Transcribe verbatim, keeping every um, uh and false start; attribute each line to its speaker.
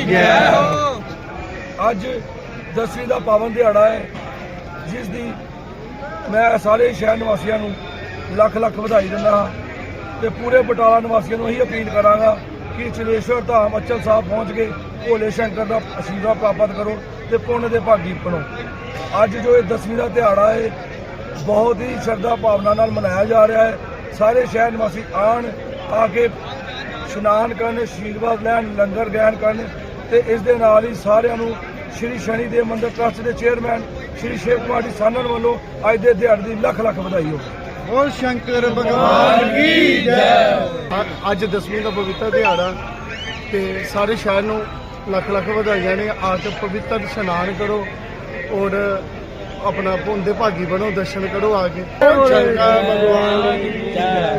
Speaker 1: ਅੱਜ ਦਸਵੀਂ ਦਾ ਪਾਵਨ ਦਿਹਾੜਾ ਹੈ, ਜਿਸ ਦੀ ਮੈਂ ਸਾਰੇ ਸ਼ਹਿਰ ਨਿਵਾਸੀਆਂ ਨੂੰ ਲੱਖ ਲੱਖ ਵਧਾਈ ਦਿੰਦਾ ਹਾਂ ਤੇ ਪੂਰੇ ਬਟਾਲਾ ਨਿਵਾਸੀਆਂ ਨੂੰ ਇਹੀ ਅਪੀਲ ਕਰਾਂਗਾ ਕਿ ਚਲੇਸ਼ਵਰ ਧਾਮ ਅਚਲ ਸਾਹਿਬ ਪਹੁੰਚ ਕੇ ਭੋਲੇ ਸ਼ੰਕਰ ਦਾ ਅਸ਼ੀਰਵਾਦ ਪ੍ਰਾਪਤ ਕਰੋ ਤੇ ਪੁੰਨ ਦੇ ਭਾਗੀ ਬਣੋ। ਅੱਜ ਜੋ ਇਹ ਦਸਵੀਂ ਦਾ ਦਿਹਾੜਾ ਹੈ, ਬਹੁਤ ਹੀ ਸ਼ਰਧਾ ਭਾਵਨਾ ਨਾਲ ਮਨਾਇਆ ਜਾ ਰਿਹਾ ਹੈ। ਸਾਰੇ ਸ਼ਹਿਰ ਨਿਵਾਸੀ ਆਣ ਆ ਕੇ ਇਸ਼ਨਾਨ ਕਰਨ, ਅਸ਼ੀਰਵਾਦ ਲੈਣ, ਲੰਗਰ ਗ੍ਰਹਿਣ ਕਰਨ ਤੇ ਇਸ ਦੇ ਨਾਲ ਹੀ ਸਾਰਿਆਂ ਨੂੰ ਸ਼੍ਰੀ ਸ਼ਨੀ ਦੇਵ ਮੰਦਿਰ ਟਰੱਸਟ ਦੇ ਚੇਅਰਮੈਨ ਸ਼੍ਰੀ ਸ਼ਿਵ ਕੁਮਾਰ ਜੀ ਸਾਨਣ ਵੱਲੋਂ ਅੱਜ ਦੇ ਦਿਹਾੜੇ ਦੀ ਲੱਖ ਲੱਖ ਵਧਾਈ ਹੋਵੇ।
Speaker 2: ਬੋਲ ਸ਼ੰਕਰ ਭਗਵਾਨ ਕੀ ਜੈ। ਅੱਜ ਦਸਵੀਂ ਦਾ ਪਵਿੱਤਰ ਦਿਹਾੜਾ ਤੇ ਸਾਰੇ ਸ਼ਹਿਰ ਨੂੰ ਲੱਖ ਲੱਖ ਵਧਾਈਆਂ ਨੇ। ਆ ਕੇ ਪਵਿੱਤਰ ਇਸ਼ਨਾਨ ਕਰੋ ਔਰ ਆਪਣਾ ਪੁੰਨ ਦੇ ਭਾਗੀ ਬਣੋ, ਦਰਸ਼ਨ ਕਰੋ ਆ ਕੇ। ਬੋਲ ਸ਼ੰਕਰ ਭਗਵਾਨ ਕੀ ਜੈ।